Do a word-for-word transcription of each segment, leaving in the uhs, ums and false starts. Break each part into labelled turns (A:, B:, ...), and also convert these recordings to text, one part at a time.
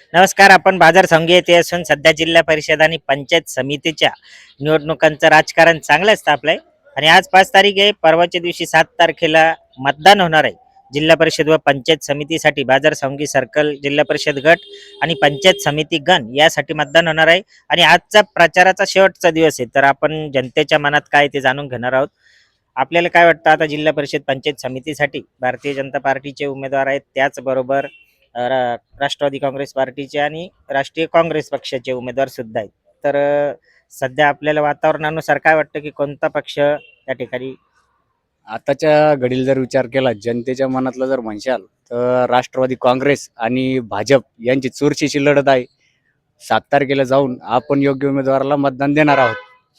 A: नमस्कार. आपण बाजार संघ येथे असून सध्या जिल्हा परिषद आणि पंचायत समितीच्या निवडणुकांचं राजकारण चांगलंच तापलंय आणि आज पाच तारीख आहे. परवाच्या दिवशी सात तारखेला मतदान होणार आहे. जिल्हा परिषद व पंचायत समितीसाठी बाजार संघी सर्कल, जिल्हा परिषद गट आणि पंचायत समिती गण यासाठी मतदान होणार आहे. आणि आजचा प्रचाराचा शेवटचा दिवस आहे, तर आपण जनतेच्या मनात काय ते जाणून घेणार आहोत. आपल्याला काय वाटतं, आता जिल्हा परिषद पंचायत समितीसाठी भारतीय जनता पार्टीचे उमेदवार आहेत, त्याचबरोबर अ, रा राष्ट्रवादी काँग्रेस पार्टीचे आणि राष्ट्रीय काँग्रेस पक्षाचे उमेदवार सुद्धा आहेत. तर अ, सध्या आपल्याला वातावरणानुसार काय वाटतं, की कोणता पक्ष त्या ठिकाणी
B: आताच्या घडीला जर विचार केला जनतेच्या मनातलं जर म्हणशाल तर राष्ट्रवादी काँग्रेस आणि भाजप यांची चुरशीची लढत आहे. सात तारखेला जाऊन आपण योग्य उमेदवाराला मतदान देणार आहोत.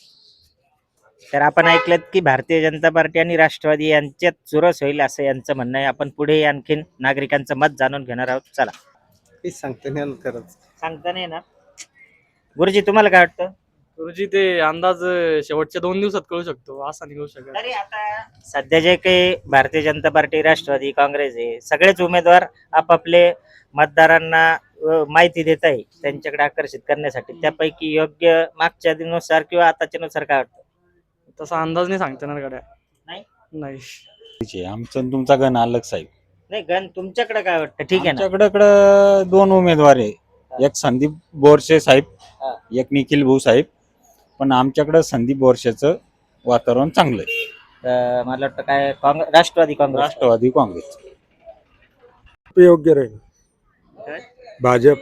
A: तर आपण ऐकलं की भारतीय जनता पार्टी आणि राष्ट्रवादी यांच्यात चुरस होईल असं यांचं म्हणणं आहे. आपण पुढे आणखीन नागरिकांचं मत जाणून घेणार आहोत. चला.
C: ते सांगता नाही आलं खरंच.
A: सांगता नाही ना. गुरुजी, तुम्हाला काय वाटतं?
D: गुरुजी ते अंदाज शेवटच्या दोन दिवसात कळू शकतो, असा नाही कळू शकत.
A: तरी आता सध्या जे काही भारतीय जनता पार्टी, राष्ट्रवादी काँग्रेस आहे, सगळेच उमेदवार आपापले मतदारांना अ, माहिती देत आहे त्यांच्याकडे आकर्षित करण्यासाठी. त्यापैकी योग्य मागच्या दिनुसार किंवा आताच्या नुसार काय वाटतं?
D: तसा अंदाज नाही सांगता येणार गड्या.
A: नाही?
D: नाही.
E: आहे. आमचं आणि तुमचा गण अलग साहेब.
A: नाही, गण तुमच्याकडे काय वाटतं? ठीक आहे ना.
E: आमच्याकडे दोन उमेदवार आहे, एक संदीप बोरसे साहेब,
A: हा.
E: एक निखिल भाऊ साहेब. पण आमच्याकडे संदीप बोरसेचं वातावरण चांगलं आहे.
A: तर मला वाटतं काय काँग्रेस, राष्ट्रवादी काँग्रेस.
E: राष्ट्रवादी काँग्रेस
C: योग्य राहील भाजप.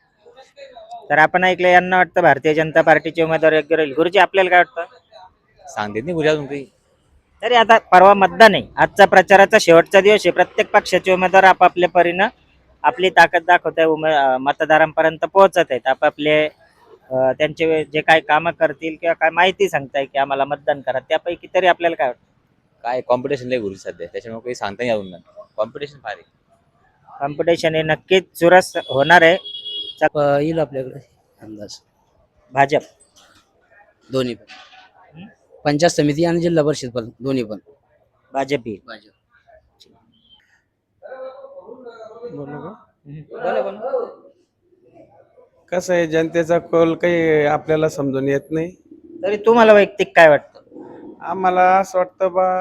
A: तर आपण ऐकलं, यांना वाटतं भारतीय जनता पार्टीचे उमेदवार योग्य राहील. गुरुजी, आपल्याला काय वाटतं?
B: सांगते नाही गुजरात काही.
A: तरी आता परवा मतदान आहे, आजचा प्रचाराचा शेवटचा दिवस आहे. प्रत्येक पक्षाचे उमेदवार आपापल्या परीनं आपली ताकद दाखवत आहे, उमे अं, मतदारांपर्यंत पोहोचत आहेत. आपापले अं, त्यांचे जे काय कामं करतील किंवा काय माहिती सांगताय की आम्हाला मतदान करा, त्यापैकी तरी आपल्याला काय वाटतं?
B: काय कॉम्पिटिशन लय गुरु सध्या, त्याच्यामुळे काही सांगता नाही येऊन कॉम्पिटिशन फार आहे.
A: कॉम्पिटिशन हे नक्कीच चुरस होणार आहे.
F: येईल आपल्याकडे अंदाज
A: भाजप,
F: दोन्ही पण पंचायत समिती आणि जिल्हा परिषद पण दोन्ही पण
A: भाजप येईल.
F: भाजप.
A: बोला बोला.
C: कसं आहे, जनतेचा कौल काही आपल्याला समजून येत नाही.
A: तरी तुम्हाला वैयक्तिक काय वाटतं?
C: आम्हाला असं वाटतं बा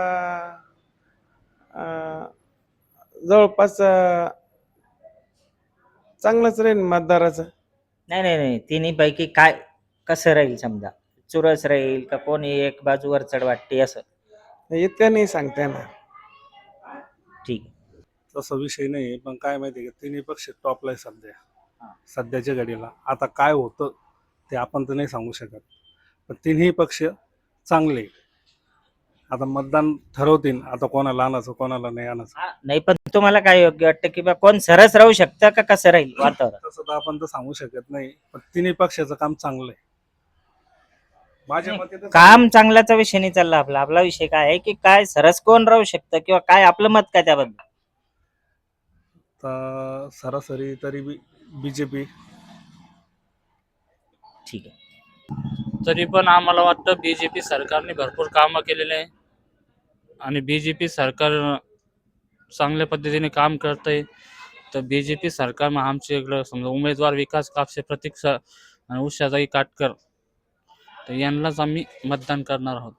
C: अं, जवळपास अं, चांगलंच राहील मतदाराचं.
A: नाही नाही नाही, तिन्ही पैकी काय कसं राहील? समजा चुरस राहील का कोणी एक बाजूवर चढ वाटते असं?
C: इतकं नाही सांगता येणार.
A: ठीक.
G: तसा विषय नाही, पण काय माहिती का, तिन्ही पक्ष टॉपला आहे सध्या. सध्याच्या घडीला आता काय होतं ते आपण तर नाही सांगू शकत, पण तिन्ही पक्ष चांगले. आता मतदान ठरवतील, आता कोणाला आणायचं कोणाला नाही आणायचं.
A: हा, नाही, पण तुम्हाला काय योग्य वाटतं की बा कोण सरस राहू शकतं का कसं राहील वातावरण?
G: तसं तर आपण तर सांगू शकत नाही, पण तिन्ही पक्षाचं काम चांगलं आहे. माझ्या मते तर
A: काम चांगल्याचा विषय नाही चालला आपला. आपला विषय काय आहे की काय सरस कोण राहू शकतं किंवा काय आपलं मत काय त्याबद्दल?
G: तर सरासरी तरी बीजेपी.
A: ठीक आहे.
D: तरी पण आम्हाला वाटतं बीजेपी सरकारने भरपूर कामं केलेले आहे आणि बीजेपी सरकार चांगल्या पद्धतीने काम करतंय. तर बीजेपी सरकार आमचे इकडं समजा उमेदवार विकास कापसे, प्रतीक स- आणि उषाताई काटकर, तर यांनाच आम्ही मतदान करणार आहोत.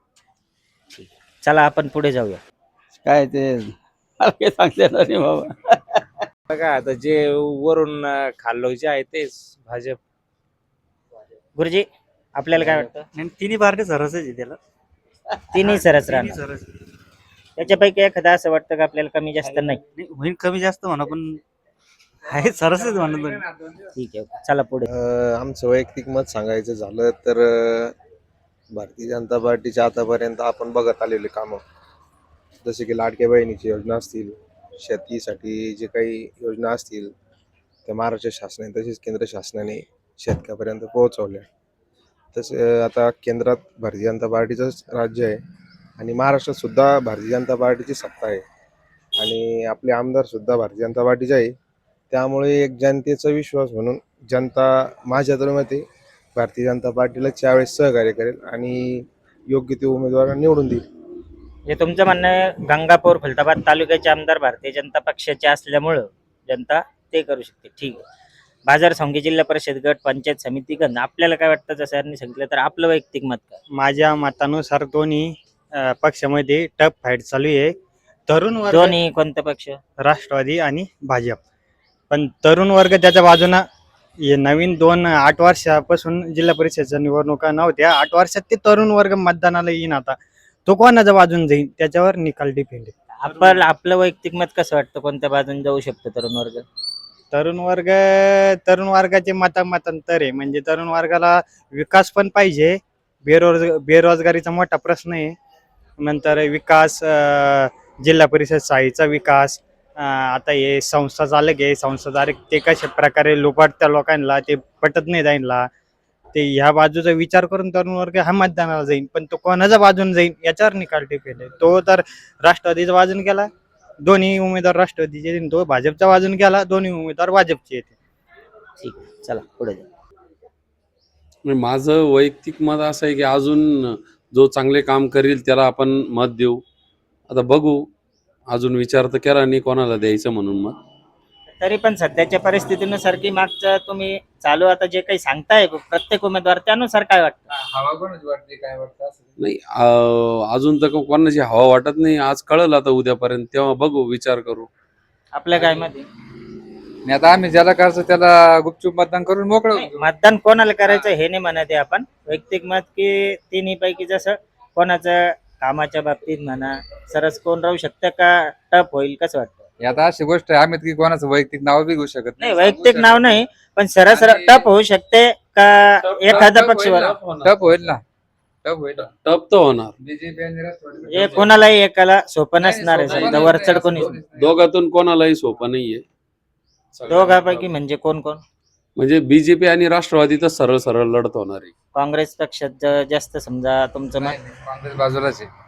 A: चला आपण पुढे जाऊया.
B: काय ते मला काही सांगता येणार नाही बाबा.
H: बघा आता जे वरून अं, खाल्लो जे आहे तेच भाजप.
A: गुरुजी, आपल्याला काय वाटतं?
I: तिन्ही पार्टी सरसच आहे त्याला.
A: तिन्ही सरस
I: तिन्ही
A: राहणार.
I: सरस.
A: त्याच्यापैकी एखादा असं वाटतं का आपल्याला कमी जास्त? नाही.
I: नाही, होईल कमी जास्त म्हणा, पण आहे सरसच म्हणा दोन्ही.
A: ठीक आहे, चला पुढे.
J: अ, आमचं वैयक्तिक मत सांगायचं झालं तर अ, भारतीय जनता पार्टीच्या आतापर्यंत आपण बघत आलेले कामं, जसे की लाडक्या बहिणीची योजना असतील, शेतीसाठी जे काही योजना असतील त्या महाराष्ट्र शासनाने तसेच केंद्र शासनाने शेतकऱ्यापर्यंत पोहोचवल्या. तसे आता केंद्रात भारतीय जनता पार्टीचंच राज्य आहे आणि महाराष्ट्रात सुद्धा भारतीय जनता पार्टीची सत्ता आहे आणि आपले आमदारसुद्धा भारतीय जनता पार्टीचे आहे. त्यामुळे एक जनतेचा विश्वास म्हणून जनता माझ्या तर मते भारतीय जनता पार्टीला त्यावेळेस सहकार्य करेल आणि योग्य ते उमेदवार निवडून देईल.
A: हे तुमचं म्हणणं आहे, गंगापूर खुलताबाद तालुक्याचे आमदार भारतीय जनता पक्षाचे असल्यामुळं जनता ते करू शकते. ठीक आहे. बाजार संघी जिल्हा परिषद गट पंचायत समिती गण आपल्याला काय वाटतं जसं यांनी सांगितलं तर आपलं वैयक्तिक मत काय?
I: माझ्या मतानुसार दोन्ही अ, पक्षामध्ये टफ फाईट चालू आहे. तरुण वर्ग
A: दोन्ही कोणता पक्ष?
I: राष्ट्रवादी आणि भाजप. पण तरुण वर्ग त्याच्या बाजूनं हे नवीन दोन आठ वर्षापासून जिल्हा परिषदच्या निवडणुका नव्हत्या. आठ वर्षात ते तरुण वर्ग मतदानाला येईन. आता तो कोणाच्या बाजून जाईल त्याच्यावर निकाल डिपेंड आहे.
A: आपण आपलं वैयक्तिक मत कसं वाटतं कोणत्या बाजून जाऊ शकतो तरुण वर्ग?
I: तरुण वर्ग तरुण वर्गाचे मतामतांतर आहे. म्हणजे तरुण वर्गाला विकास पण पाहिजे. बेरोज बेरोजगारीचा मोठा प्रश्न आहे. नंतर विकास, अं, जिल्हा परिषद शाळेचा विकास, अं, आता हे संस्था चालक आहे संस्था चालक ते कशा प्रकारे लुबाडत्या लोकांना ते पटत नाही जाईनला. ते ह्या बाजूचा विचार करून तरुण वर्ग हा मतदानाला जाईल. पण तो कोणाच्या बाजून जाईल याच्यावर निकाल टिपेल आहे. तो तर राष्ट्रवादीच्या बाजून गेला, दोन्ही उमेदवार राष्ट्रवादीचे येतील. तो भाजपच्या बाजून गेला, दोन्ही उमेदवार भाजपचे येते.
A: ठीक आहे, चला पुढे जाऊ.
K: म्हणजे माझं वैयक्तिक मत असं आहे की अजून जो चांगले काम करेल त्याला आपण मत देऊ. आता बघू, अजून विचार तर केला नाही कोणाला द्यायचं म्हणून मत.
A: तरी पण सध्याच्या परिस्थितीनुसार की मागचं तुम्ही चालू आता जे काही सांगताय प्रत्येक उमेदवार त्यानुसार काय वाटतं?
K: नाही अं, अजून तर कोणाची हवा वाटत नाही. आज कळलं आता उद्यापर्यंत, तेव्हा बघू, विचार करू.
A: आपल्या काय मध्ये
B: आता आम्ही ज्याला करायचं त्याला गुपचूप मतदान करून मोकळं.
A: मतदान कोणाला करायचं हे नाही म्हणत आहे आपण. वैयक्तिक मत की तिन्ही पैकी जसं कोणाचं कामाच्या बाबतीत म्हणा सरस कोण राहू शकतं का टप होईल कसं वाटतं?
B: आता अशी गोष्ट आहे, आम्ही की कोणाचं वैयक्तिक नाव बी घेऊ शकत
A: नाही वैयक्तिक नाव नाही पण सरस टप होऊ शकते का एखादा पक्ष
B: टप होईल ना, टप होईल.
K: टप तर होणार.
B: बीजेपी आणि राष्ट्रवादी
A: म्हणजे कोणालाही एकाला सोपं नसणार आहे. समजा वरचढ कोणी
K: दोघातून कोणालाही सोपं नाहीये.
A: दोघांपैकी म्हणजे कोण कोण?
K: म्हणजे बीजेपी आणि राष्ट्रवादी तर सरळ सरळ लढत होणार आहे.
A: काँग्रेस पक्षात ज- जास्त समजा तुमचं मत.
B: काँग्रेस बाजूलाच आहे.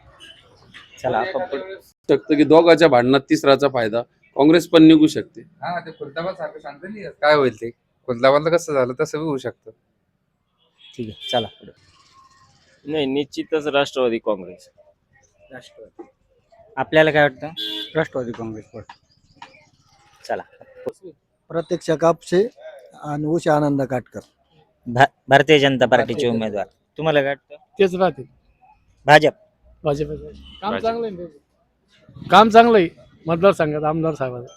A: चला आपण पुढे.
K: शकतं की दोघाच्या भांडणात तिसराचा फायदा काँग्रेस पण निघू शकते.
B: हा, ते खुलताबाद सारखं सांगता नाही येत काय होईल ते. खुलताबादला कसं झालं तसं बी होऊ शकतं.
A: ठीक आहे, चला पुढे.
H: नाही, निश्चितच राष्ट्रवादी काँग्रेस.
A: राष्ट्रवादी. आपल्याला काय वाटतं?
I: राष्ट्रवादी काँग्रेस.
A: चला.
F: प्रत्यक्ष कापसे आणि उषा आनंद काटकर.
A: भा- भारतीय जनता पार्टीचे उमेदवार तुम्हाला काय वाटतं?
C: तेच राहतील
A: भाजप.
C: भाजप. काम चांगलं आहे, काम चांगलं आहे मतदारसंघात आमदार साहेबांचं.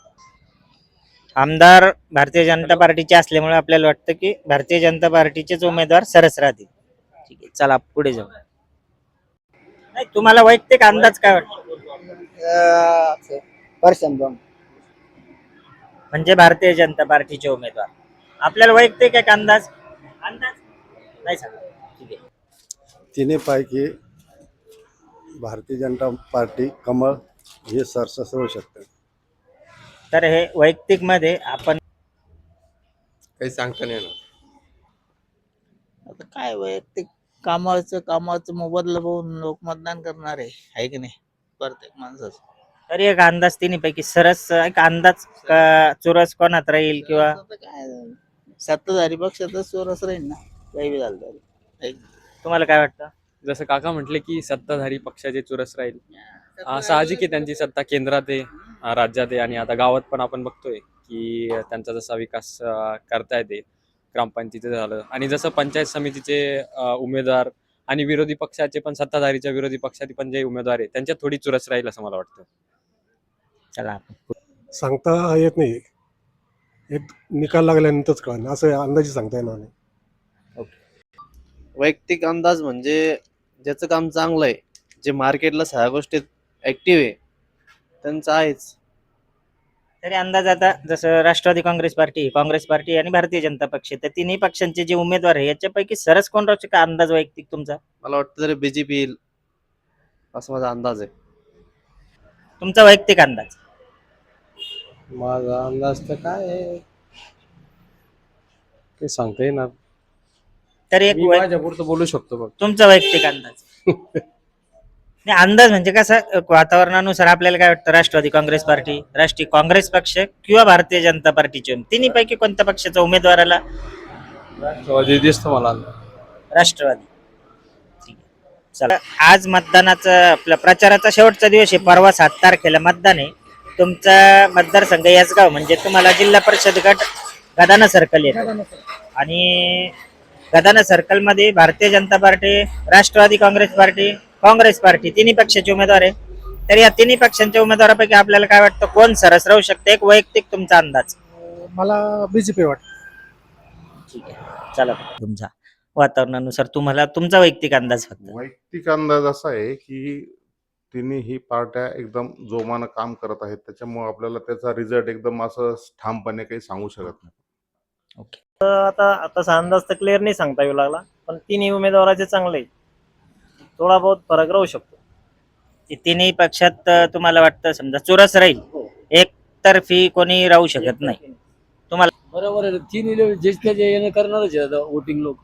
A: आमदार भारतीय जनता पार्टीचे असल्यामुळे आपल्याला वाटतं की भारतीय जनता पार्टीचेच उमेदवार सरस राहतील. ठीक आहे, चला पुढे जाऊ. नाही तुम्हाला वैयक्तिक अंदाज काय वाटतो? म्हणजे भारतीय जनता पार्टीचे उमेदवार आपल्याला वैयक्तिक एक अंदाज अंदाज नाही सांगा. ठीक आहे.
J: तिन्ही पैकी भारतीय जनता पार्टी कमळ हे सरसस होऊ शकते.
A: तर हे वैयक्तिक मध्ये आपण
J: काही सांगता नाही येणार.
F: आता काय वैयक्तिक कामाचं कामाचं मोबदला बघून लोक मतदान करणार आहे आहे की नाही प्रत्येक माणसाचं.
A: तरी एक अंदाज तिन्ही पैकी सरस एक अंदाज का चुरस कोणात राहील किंवा
F: आता काय सत्ताधारी पक्षातच चोरस राहील ना, काही बी झालं तरी.
A: तुम्हाला काय वाटतं?
L: जसं काका म्हटले की सत्ताधारी पक्षाचे चुरस राहील. अं, साहजिक आहे त्यांची सत्ता केंद्रात आहे, अं, राज्यात आहे आणि आता गावात पण आपण बघतोय की त्यांचा जसा विकास अं, करता येते. ग्रामपंचायतीचं झालं आणि जसं पंचायत समितीचे अं, उमेदवार आणि विरोधी पक्षाचे पण सत्ताधारीच्या विरोधी पक्षाचे पण जे उमेदवार आहे त्यांच्यात थोडी चुरस राहील असं मला वाटतं.
A: चला
G: सांगता येत नाही, एक निकाल लागल्यानंतरच कळणार, असं अंदाजे सांगता येणार नाही.
H: वैयक्तिक अंदाज म्हणजे ज्याचं काम चांगलं आहे, जे मार्केटला सगळ्या गोष्टीत ऍक्टिव्ह आहे, त्यांचं आहेच.
A: तरी अंदाज आता जसं Rashtrawadi Congress Party Congress Party आणि भारतीय जनता पक्ष तर तिन्ही पक्षांचे जे उमेदवार आहे याच्यापैकी सरस कोण राहू शकतो अंदाज वैयक्तिक तुमचा?
H: मला वाटतं तरी बीजेपी येईल असं माझा अंदाज आहे.
A: तुमचा वैयक्तिक अंदाज?
C: माझा अंदाज तर काय आहे, काही सांगता येणार.
A: तरी एक
C: मी
A: वै-
C: माझ्यापुरतं बोलू शकतो बघ.
A: तुमचा वैयक्तिक अंदाज? नाही अंदाज म्हणजे कसं वातावरणानुसार आपल्याला काय वाटतं राष्ट्रवादी काँग्रेस पार्टी राष्ट्रीय काँग्रेस पक्ष किंवा भारतीय जनता पार्टीचे तिन्ही पैकी कोणत्या पक्षाच्या उमेदवाराला?
C: राष्ट्रवादी दिसतं मला.
A: राष्ट्रवादी. ठीक आहे. चला आज मतदानाचा आपला प्रचाराचा शेवटचा दिवस आहे. परवा सात तारखेला मतदान आहे. तुमचा मतदारसंघ याचगाव म्हणजे तुम्हाला जिल्हा परिषद गट गदाना सर्कल येतं आणि गदाना सर्कल मध्ये Bharatiya Janata Party, Rashtrawadi Congress Party, Congress Party तिन्ही पक्षाचे उमेदवार आहे. तर या तिन्ही पक्षांच्या उमेदवारापैकी आपल्याला काय वाटतं कोण सरस राहू शकते, एक वैयक्तिक तुमचा अंदाज?
C: मला बीजेपी वाटतं.
A: ठीक आहे, चला तुमचा वातावरणानुसार तुम्हाला तुमचा वैयक्तिक अंदाज फक्त.
M: वैयक्तिक अंदाज असा आहे की तिन्ही पार्ट्या एकदम जोमानं काम करत आहेत, त्याच्यामुळे आपल्याला त्याचा रिझल्ट एकदम असं ठामपणे काही सांगू शकत नाही.
A: ओके.
I: आता तसा अंदाज तर क्लिअर नाही सांगता येऊ लागला, पण तिन्ही उमेदवाराचे चांगले थोडा बहुत फरक राहू शकतो.
A: तिन्ही पक्षात अं, तुम्हाला वाटतं समजा चुरस राहील, एकतर्फी कोणी राहू शकत नाही.
C: बरोबर आहे. तिन्ही ज्येष्ठ जे येणं करणारच आहे वोटिंग लोक.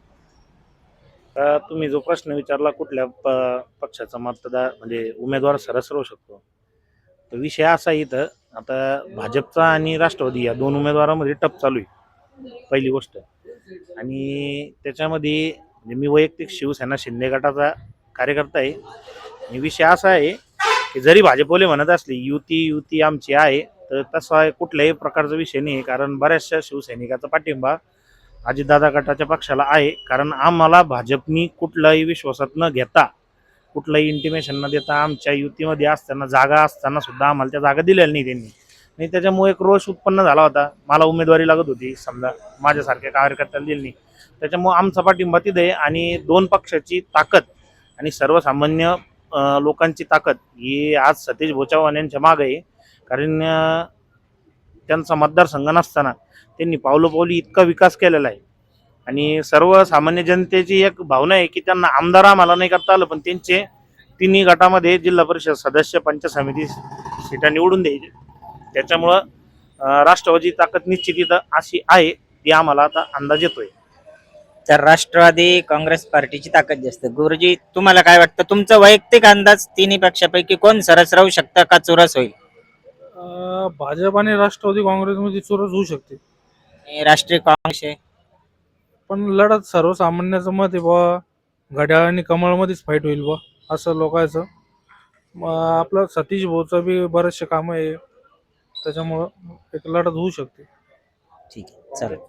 G: तुम्ही जो प्रश्न विचारला कुठल्या प- पक्षाचा मतदार म्हणजे उमेदवार सरस राहू शकतो, तर विषय असा आहे इथं आता भाजपचा आणि राष्ट्रवादी या दोन उमेदवारांमध्ये टप चालू आहे पहिली गोष्ट. आणि त्याच्यामध्ये म्हणजे मी वैयक्तिक शिवसेना शिंदे गटाचा कार्यकर्ता आहे. आणि विषय असा आहे की जरी भाजपवाले म्हणत असले युती युती आमची आहे, तर तसा कुठल्याही प्रकारचा विषय नाही. कारण बऱ्याचशा शिवसैनिकाचा पाठिंबा अजितदादा गटाच्या पक्षाला आहे. कारण आम्हाला भाजपनी कुठलाही विश्वासात न घेता, कुठलंही इंटिमेशन न देता आमच्या युतीमध्ये असताना जागा असताना सुद्धा आम्हाला त्या जागा दिलेल्या नाही त्यांनी. आणि त्याच्यामुळे एक रोष उत्पन्न झाला होता. मला उमेदवारी लागत होती, समजा माझ्यासारख्या कार्यकर्त्याला दिली नाही. त्याच्यामुळे आमचा पाठिंबा तिथे आहे. आणि दोन पक्षाची ताकद आणि सर्वसामान्य अं, लोकांची ताकद ही आज सतीश भाऊ चव्हाण यांच्या मागे आहे. कारण अं, त्यांचा मतदारसंघ नसताना त्यांनी पावलं पावली इतका विकास केलेला आहे. आणि सर्वसामान्य जनतेची एक भावना आहे की त्यांना आमदार आम्हाला नाही करता आलं, पण त्यांचे तिन्ही गटामध्ये जिल्हा परिषद सदस्य, पंचायत समिती सीटा निवडून द्यायचे. त्याच्यामुळं अं, राष्ट्रवादी ताकद निश्चित इथं अशी आहे, ती आम्हाला आता अंदाज येतोय.
A: तर राष्ट्रवादी काँग्रेस पार्टीची ताकद जास्त. गुरुजी तुम्हाला काय वाटतं, तुमचा वैयक्तिक अंदाज तिन्ही पक्षापैकी कोण सरस राहू शकतं का चुरस होईल?
C: भाजप आणि राष्ट्रवादी काँग्रेसमध्ये चुरस होऊ शकते,
A: आणि राष्ट्रीय काँग्रेस आहे.
C: पण लढत सर्वसामान्याचं मत आहे बा घड्याळ आणि कमळमध्येच फाईट होईल बा असं लोकांचं. मग आपलं सतीश भाऊचं बी बरेचसे कामं आहे, त्याच्यामुळं एक लढत होऊ शकते.
A: ठीक आहे, चालेल.